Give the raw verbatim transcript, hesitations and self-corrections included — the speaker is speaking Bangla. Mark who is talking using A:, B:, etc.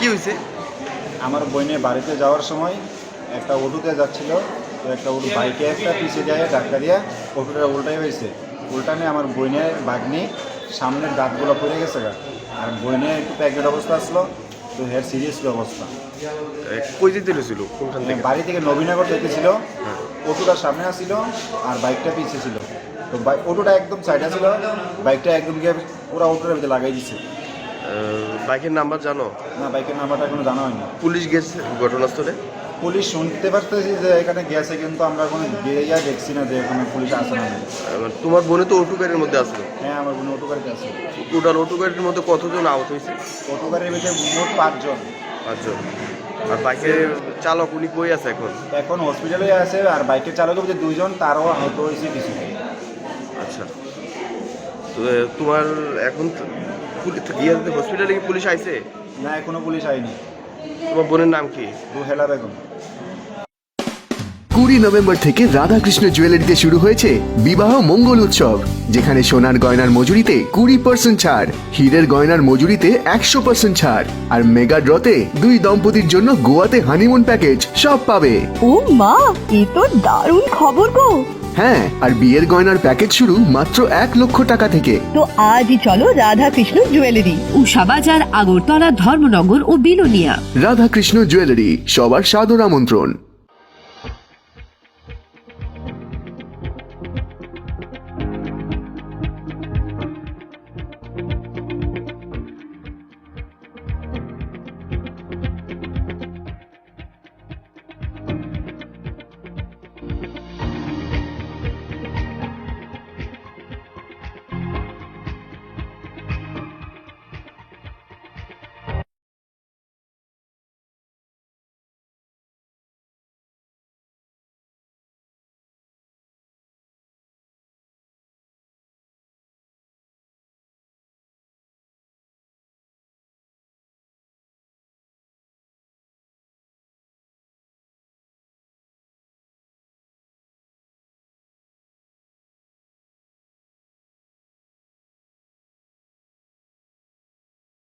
A: কি হয়েছে?
B: আমার বোনের বাড়িতে যাওয়ার সময় একটা অটোতে যাচ্ছিল, তো একটা অটো বাইকে একটা পিছিয়ে যায় ধাক্কা দিয়ে অটোটা উল্টাই হয়েছে। উল্টানে আমার বোনের বাগনি সামনের দাঁতগুলো পড়ে গেছে গা, আর বোনের একটু প্যাকেট অবস্থা আসলো, তো হের সিরিয়াস অবস্থা।
A: এ, কই যেতে ছিল? কোনখান থেকে?
B: বাড়ি থেকে নবীনগর যেতেছিল,
A: হ্যাঁ।
B: অটোটা সামনে আসছিল আর বাইকটা পিছিয়ে ছিল। তো বাইক অটোটা একদম সাইডে ছিল, বাইকটা একদম গিয়ে পুরো অটোটার ভিতরে লাগাই দিচ্ছে।
A: বাইকের নাম্বার জানো?
B: না, বাইকের নাম্বারটা এখনো জানা হয়নি।
A: পুলিশ গেছে ঘটনাস্থলে?
B: পুলিশ শুনতে পারতেছি যে এখানে গেছে, কিন্তু আমরা কোনো গিয়ে যা দেখছি না যে এখানে পুলিশ আসে না।
A: আহ, তোমার বোনে তো অটো গাড়ির মধ্যে আসলো।
B: হ্যাঁ, আমার বোন অটো গাড়িতে আছে।
A: টোটাল অটো গাড়ির মধ্যে কতজন আহত হয়েছে?
B: অটো গাড়ির ভিতরে মোট পাঁচজন।
A: পাঁচজন। আর বাইকের চালক উনি কই আছে এখন?
B: এখন হসপিটালে আছে, আর বাইকের চালকের ভিতরে দুইজন, তারও আহত হয়েছে কিছু।
A: আচ্ছা, তো এ, তোমার এখন গিয়ে হসপিটালে কি পুলিশ আইছে?
B: না, এখনো পুলিশ আইনি।
A: তোমার বোনের নাম কি?
B: রুহেলা বেগম।
C: কুড়ি নভেম্বর থেকে রাধাকৃষ্ণ জুয়েলারিতে শুরু হয়েছে বিবাহ মঙ্গল উৎসব, যেখানে সোনার গয়নার মজুরিতে কুড়ি পার্সেন্ট ছাড়, হীরের গয়নার মজুরিতে একশো পার্সেন্ট ছাড়, আর মেগা ড্রতে দুই দম্পতির জন্য গোয়াতে হানিমুন প্যাকেজ সব পাবে।
D: ও মা, এ তো দারুণ খবর গো।
C: হ্যাঁ, আর বিয়ের গয়নার প্যাকেজ শুরু মাত্র এক লক্ষ টাকা থেকে।
D: তো আজই চলো রাধাকৃষ্ণ জুয়েলারি,
E: উষা বাজার, আগরতলা, ধর্মনগর ও বিলোনিয়া।
C: রাধাকৃষ্ণ জুয়েলারি, সবার সাদর আমন্ত্রণ।